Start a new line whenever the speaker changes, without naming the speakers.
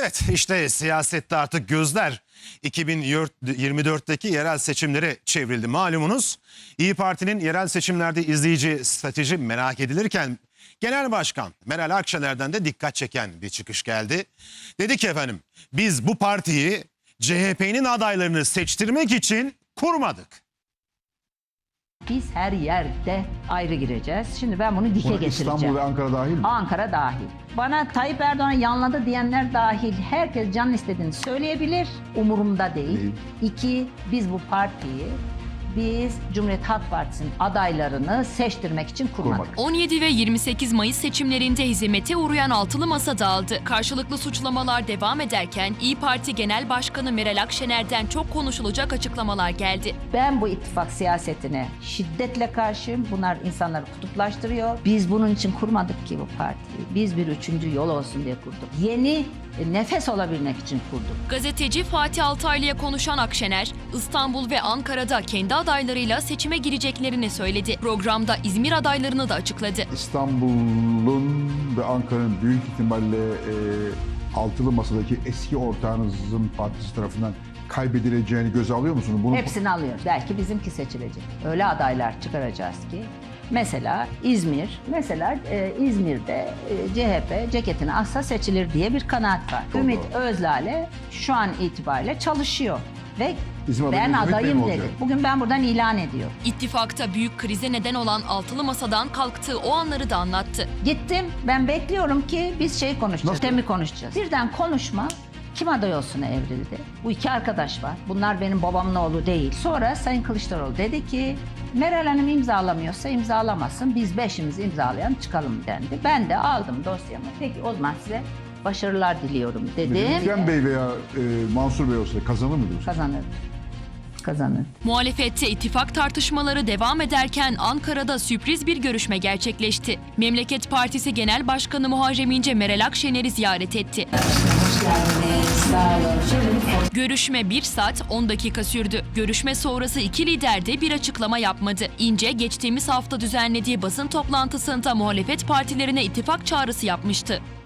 Evet, işte siyasette artık gözler 2024'teki yerel seçimlere çevrildi. Malumunuz İYİ Parti'nin yerel seçimlerde izleyici strateji merak edilirken Genel Başkan Meral Akşener'den de dikkat çeken bir çıkış geldi. Dedi ki efendim, biz bu partiyi CHP'nin adaylarını seçtirmek için kurmadık.
Biz her yerde ayrı gireceğiz. Şimdi ben bunu dike getireceğim.
İstanbul ve Ankara dahil mi?
Ankara dahil. Bana Tayyip Erdoğan yanladı diyenler dahil herkes canın istediğini söyleyebilir. Umurumda değil. İki, biz bu partiyi Cumhuriyet Halk Partisi'nin adaylarını seçtirmek için kurmadık.
17 ve 28 Mayıs seçimlerinde hizmete uğrayan altılı masa dağıldı. Karşılıklı suçlamalar devam ederken İYİ Parti Genel Başkanı Meral Akşener'den çok konuşulacak açıklamalar geldi.
Ben bu ittifak siyasetine şiddetle karşıyım. Bunlar insanları kutuplaştırıyor. Biz bunun için kurmadık ki bu partiyi. Biz bir üçüncü yol olsun diye kurduk. Yeni nefes olabilmek için kurduk.
Gazeteci Fatih Altaylı'ya konuşan Akşener, İstanbul ve Ankara'da kendi adaylarıyla seçime gireceklerini söyledi. Programda İzmir adaylarını da açıkladı.
İstanbul'un ve Ankara'nın büyük ihtimalle altılı masadaki eski ortağınızın partisi tarafından kaybedileceğini göze alıyor musunuz? Bunu...
Hepsini alıyoruz. Belki bizimki seçilecek. Öyle adaylar çıkaracağız ki. Mesela İzmir'de CHP ceketini asla seçilir diye bir kanaat var. Ümit Özlale şu an itibariyle çalışıyor ve ben adayım dedi. Bugün ben buradan ilan ediyorum.
İttifakta büyük krize neden olan altılı masadan kalktığı o anları da anlattı.
Gittim, ben bekliyorum ki biz konuşacağız. Sistemi konuşacağız. Birden konuşma kim aday olsuna evrildi. Bu iki arkadaş var. Bunlar benim babamın oğlu değil. Sonra Sayın Kılıçdaroğlu dedi ki Meral Hanım imzalamıyorsa imzalamasın. Biz beşimiz imzalayan çıkalım dendi. Ben de aldım dosyamı. Peki o zaman size başarılar diliyorum dedim.
Ekrem Bey veya Mansur Bey olsa kazanır mı diyorsun?
Kazanır.
Muhalefette ittifak tartışmaları devam ederken Ankara'da sürpriz bir görüşme gerçekleşti. Memleket Partisi Genel Başkanı Muharrem İnce Meral Akşener'i ziyaret etti. Görüşme 1 saat 10 dakika sürdü. Görüşme sonrası iki lider de bir açıklama yapmadı. İnce geçtiğimiz hafta düzenlediği basın toplantısında muhalefet partilerine ittifak çağrısı yapmıştı.